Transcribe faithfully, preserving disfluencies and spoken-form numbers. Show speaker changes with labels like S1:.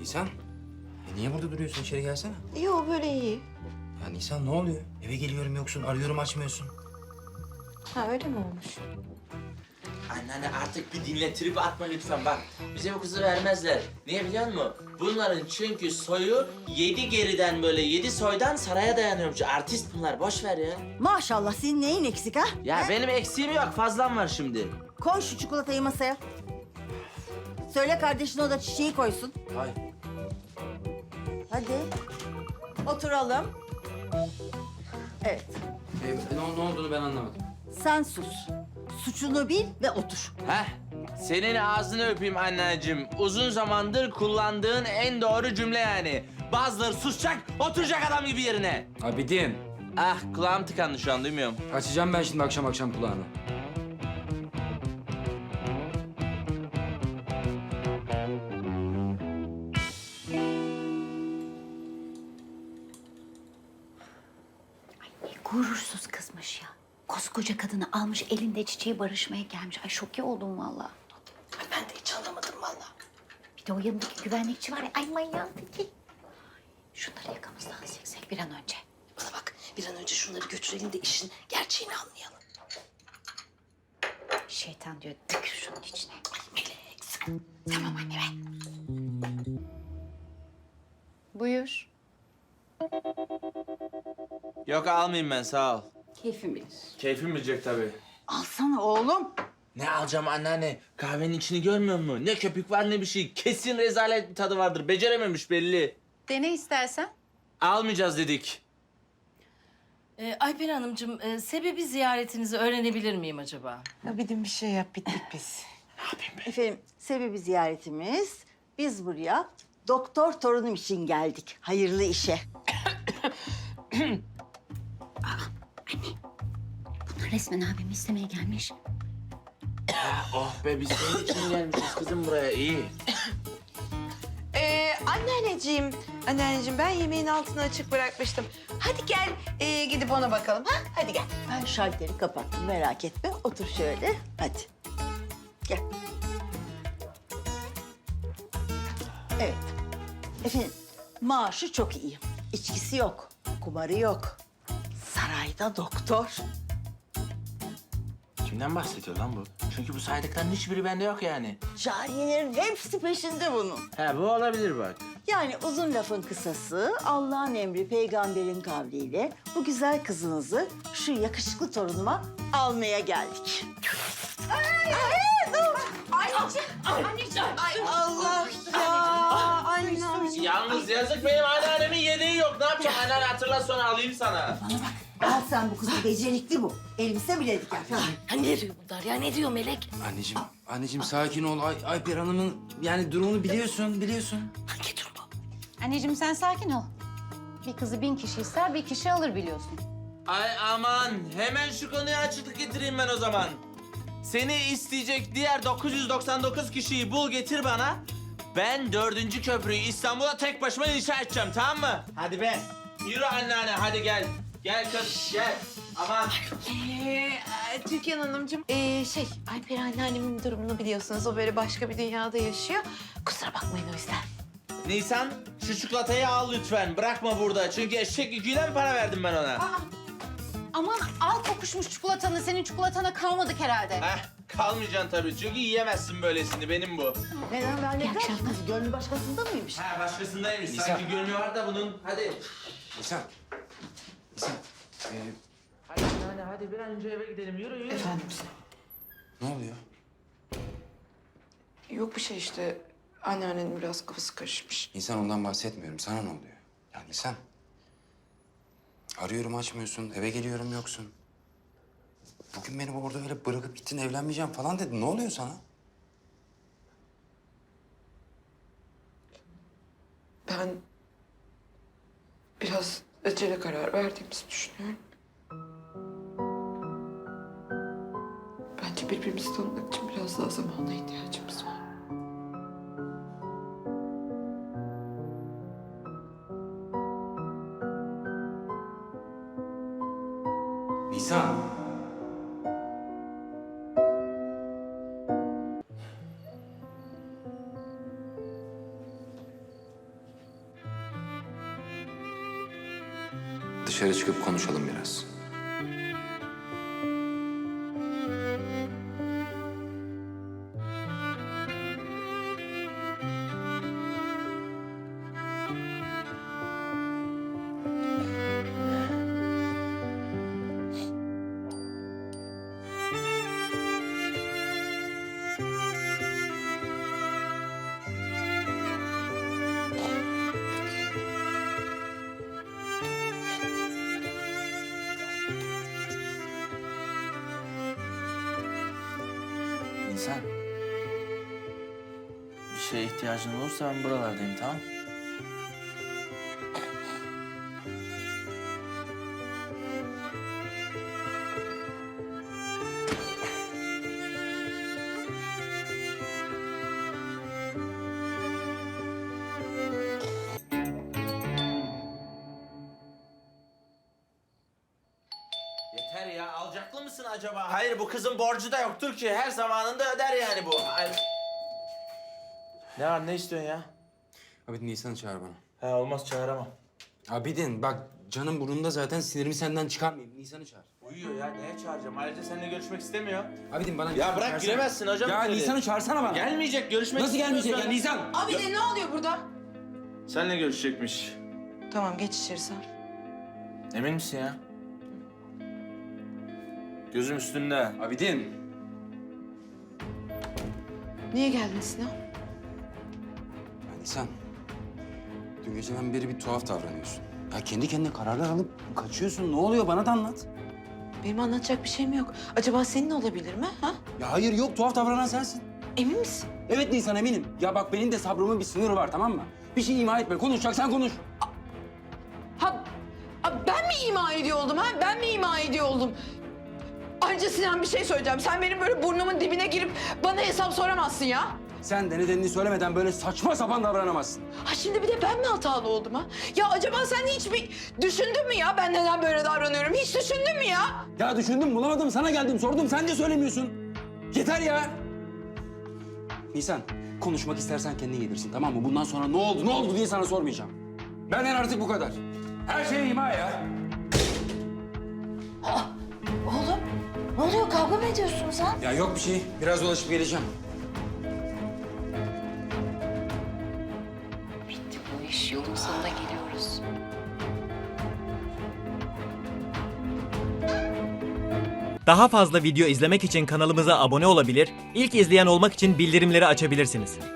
S1: Nisan, e niye burada duruyorsun? İçeri gelsene.
S2: Yok böyle iyi.
S1: Ya Nisan ne oluyor? Eve geliyorum yoksun, arıyorum açmıyorsun.
S2: Ha öyle mi olmuş?
S3: Anneanne artık bir dinle, trip atma lütfen bak. Bize bu kızı vermezler. Niye biliyor musun? Bunların çünkü soyu yedi geriden böyle yedi soydan saraya dayanıyormuş. Artist bunlar, boş ver ya.
S4: Maşallah senin neyin eksik ha?
S3: Ya
S4: He?
S3: benim eksiğim yok, fazlam var şimdi.
S4: Koy şu çikolatayı masaya. Söyle kardeşine o da çiçeği koysun.
S3: Hay.
S4: Hadi. Oturalım. Evet.
S1: E, ne, ne olduğunu ben anlamadım.
S4: Sen sus. Suçunu bil ve otur.
S3: Heh, senin ağzını öpeyim anneciğim. Uzun zamandır kullandığın en doğru cümle yani. Bazıları susacak, oturacak adam gibi yerine.
S1: Abidin,
S3: Ah, kulağım tıkandı şu an, duymuyorum.
S1: açacağım ben şimdi akşam akşam kulağını.
S5: Gurursuz kızmış ya. Koskoca kadını almış elinde çiçeği barışmaya gelmiş. Ay şoke oldum vallahi.
S2: Ay ben de hiç anlamadım vallahi.
S5: Bir de o yanındaki güvenlikçi var ya. Ay manyağın teki. Şunları yakamızdan seksek bir an önce.
S2: Bana bak bir an önce şunları götürelim de işin gerçeğini anlayalım.
S5: Şeytan diyor tıkır şunun içine.
S2: Ay Melek sen. Tamam anne be.
S5: Buyur.
S3: Yok, almayayım ben, sağ ol.
S5: Keyfim bilir.
S3: Keyfim bilecek tabii.
S4: Alsana oğlum.
S3: Ne alacağım anneanne? Kahvenin içini görmüyor musun? Ne köpük var ne bir şey. Kesin rezalet bir tadı vardır. Becerememiş belli.
S5: Dene istersen.
S3: Almayacağız dedik.
S6: Ee, Ayper Hanımcığım, e, sebebi ziyaretinizi öğrenebilir miyim acaba?
S2: Abidin bir şey yap bittik biz.
S4: Efendim sebebi ziyaretimiz. Biz buraya doktor torunum için geldik. Hayırlı işe.
S5: Bunlar resmen abimi istemeye gelmiş.
S3: Oh be, biz senin için gelmişiz kızım buraya, iyi.
S2: Ee, anneanneciğim, anneanneciğim ben yemeğin altını açık bırakmıştım. Hadi gel ee, gidip ona bakalım ha? Hadi gel.
S4: Ben şalteri kapattım merak etme. Otur şöyle. Hadi. Gel. Evet. Efendim maaşı çok iyi. İçkisi yok. Kumarı yok. Sarayda doktor.
S3: Kimden bahsediyor lan bu? Çünkü bu saydıkların hiçbiri bende yok yani.
S4: Cariyelerin hepsi peşinde bunun.
S3: He, bu olabilir bak.
S4: Yani uzun lafın kısası Allah'ın emri peygamberin kavliyle bu güzel kızınızı şu yakışıklı torunuma almaya geldik.
S2: Allah ya anne.
S3: Yalnız yazık, benim anneannemin yedeği yok. Ne yapacağım? Anneanne hatırla, sonra alayım sana.
S4: Al sen bu kızı becerikli bu. Elbise bile diker.
S6: Ha, ne diyor bunlar ya? Ne diyor Melek?
S1: Anneciğim, anneciğim sakin ol. Ay, Ayper Hanım'ın yani durumunu biliyorsun, biliyorsun.
S6: Hangi durumu?
S5: Anneciğim sen sakin ol. Bir kızı bin kişi ister, bir kişi alır biliyorsun.
S3: Ay aman, hemen şu konuya açıklık getireyim ben o zaman. Seni isteyecek diğer dokuz yüz doksan dokuz kişiyi bul getir bana. Ben dördüncü köprüyü İstanbul'a tek başıma inşa edeceğim, tamam mı? Hadi be. Yürü anneanne, hadi gel. Gel kız, gel. Aman.
S2: Ee, Türkan Hanımcığım, ee, şey Ayper anneannemin durumunu biliyorsunuz. O böyle başka bir dünyada yaşıyor. Kusura bakmayın o yüzden.
S3: Nisan, şu çikolatayı al lütfen. Bırakma burada. Çünkü eşek yüküyle mi para verdim ben ona?
S5: Aman al kokuşmuş çikolatanı. Senin çikolatana kalmadık herhalde.
S3: Heh, kalmayacaksın tabii. Çünkü yiyemezsin böylesini. Benim bu.
S4: Neden ben
S5: İyi
S4: ne
S5: akşamlar.
S4: kız? Gönlü başkasında mıymış?
S3: Ha, başkasındaymış.
S1: Nisan.
S3: Sanki gönlü var da bunun. Hadi.
S1: Nisan, Nisan. Ee,
S3: Hadi anneanne, hadi bir an önce eve gidelim. Yürü, yürü.
S2: Efendim
S1: ne oluyor?
S2: yok bir şey işte. Anneannenin biraz kafası karışmış.
S1: Nisan ondan bahsetmiyorum. Sana ne oluyor? Ya Nisan. Arıyorum açmıyorsun, eve geliyorum yoksun. Bugün beni orada öyle bırakıp gittin, evlenmeyeceğim falan dedin. Ne oluyor sana?
S2: Ben biraz acele karar verdiğimizi düşünüyorum. Bence birbirimizi tanımak için biraz daha zamana ihtiyacımız var.
S1: Nisan. dışarı çıkıp konuşalım biraz.
S3: Nisan. Bir şeye ihtiyacın olursa ben buralardayım, tamam? Yeter ya, alacaklı mısın acaba? Hayır, bu kızın borcu da yoktur ki. Her zamanında öder yani bu. Ay. Ne var, ne istiyorsun ya?
S1: Abidin Nisan'ı çağır bana.
S3: Ha, olmaz, çağıramam.
S1: Abidin bak canım burnunda zaten, sinirimi senden çıkarmayayım. Nisan'ı çağır.
S3: Uyuyor ya, neye çağıracağım? Ayrıca seninle görüşmek istemiyor.
S1: Abidin bana
S3: Ya
S1: Nisan'ı
S3: bırak,
S1: çağırsana.
S3: giremezsin hocam
S1: Ya
S3: içeri.
S1: Nisan'ı çağırsana bana.
S3: Gelmeyecek, görüşmek
S1: Nasıl gelmeyecek ya
S3: istemiyorsa-
S1: Nisan?
S2: Abi de ne oluyor burada?
S3: Seninle görüşecekmiş.
S2: Tamam geç içeri sen.
S3: Emin misin ya? Gözüm üstünde.
S1: Abidin.
S2: Niye geldin Sinan?
S1: Ya Nisan. Dün geceden beri bir tuhaf davranıyorsun. Ya kendi kendine kararlar alıp kaçıyorsun. Ne oluyor bana da anlat.
S2: Benim anlatacak bir şeyim yok. Acaba senin olabilir mi? Ha?
S1: Ya hayır yok, tuhaf davranan sensin.
S2: Emin misin?
S1: Evet Nisan, eminim. Ya bak benim de sabrımın bir sınırı var, tamam mı? Bir şey ima etme. Konuşacaksan konuş.
S2: Ha, ha, ben mi ima ediyor oldum ha? Ben mi ima ediyor oldum? Ayrıca Sinan bir şey söyleyeceğim. Sen benim böyle burnumun dibine girip bana hesap soramazsın ya.
S1: Sen de nedenini söylemeden böyle saçma sapan davranamazsın.
S2: Ha şimdi bir de ben mi hatalı oldum ha? Ya acaba sen hiç bir düşündün mü ya ben neden böyle davranıyorum? Hiç düşündün mü ya?
S1: Ya düşündüm, bulamadım, sana geldim, sordum. Sen de söylemiyorsun. Yeter ya. Nisan, konuşmak istersen kendin gelirsin, tamam mı? Bundan sonra ne oldu, ne oldu diye sana sormayacağım. Benden artık bu kadar. Her şey ima ya.
S5: Oğlum ne oluyor, kavga mı ediyorsun sen?
S1: Ya yok bir şey. Biraz dolaşıp geleceğim.
S5: Bitti bu iş, yolun sonuna geliyoruz.
S7: Daha fazla video izlemek için kanalımıza abone olabilir, ilk izleyen olmak için bildirimleri açabilirsiniz.